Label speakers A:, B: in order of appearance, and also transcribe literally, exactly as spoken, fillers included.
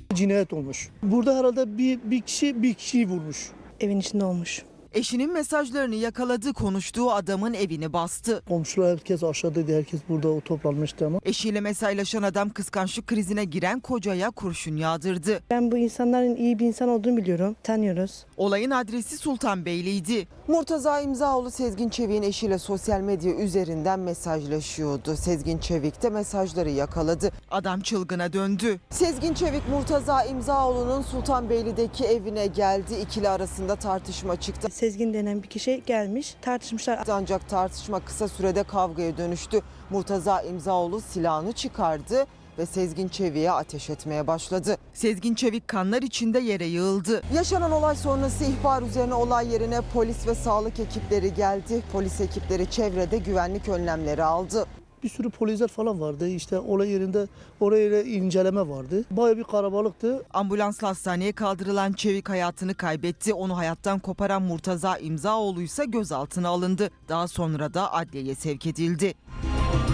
A: Cinayet olmuş. Burada herhalde bir, bir kişi bir kişiyi vurmuş.
B: Evin içinde olmuş.
C: Eşinin mesajlarını yakaladı, konuştuğu adamın evini bastı.
A: Komşular herkes aşağıdaydı, herkes burada o toplanmıştı ama.
C: Eşiyle mesajlaşan adam kıskançlık krizine giren kocaya kurşun yağdırdı.
B: Ben bu insanların iyi bir insan olduğunu biliyorum. Tanıyoruz.
C: Olayın adresi Sultanbeyli'ydi. Murtaza İmzaoğlu Sezgin Çevik'in eşiyle sosyal medya üzerinden mesajlaşıyordu. Sezgin Çevik de mesajları yakaladı. Adam çılgına döndü. Sezgin Çevik Murtaza İmzaoğlu'nun Sultanbeyli'deki evine geldi. İkili arasında tartışma çıktı.
B: Sezgin denen bir kişi gelmiş, tartışmışlar.
C: Ancak tartışma kısa sürede kavgaya dönüştü. Murtaza İmzaoğlu silahını çıkardı ve Sezgin Çevik'e ateş etmeye başladı. Sezgin Çevik kanlar içinde yere yığıldı. Yaşanan olay sonrası ihbar üzerine olay yerine polis ve sağlık ekipleri geldi. Polis ekipleri çevrede güvenlik önlemleri aldı.
A: Bir sürü polisler falan vardı. İşte olay yerinde oraya inceleme vardı. Bayağı bir kalabalıktı.
C: Ambulansla hastaneye kaldırılan Çevik hayatını kaybetti. Onu hayattan koparan Murtaza İmzaoğlu ise gözaltına alındı. Daha sonra da adliyeye sevk edildi.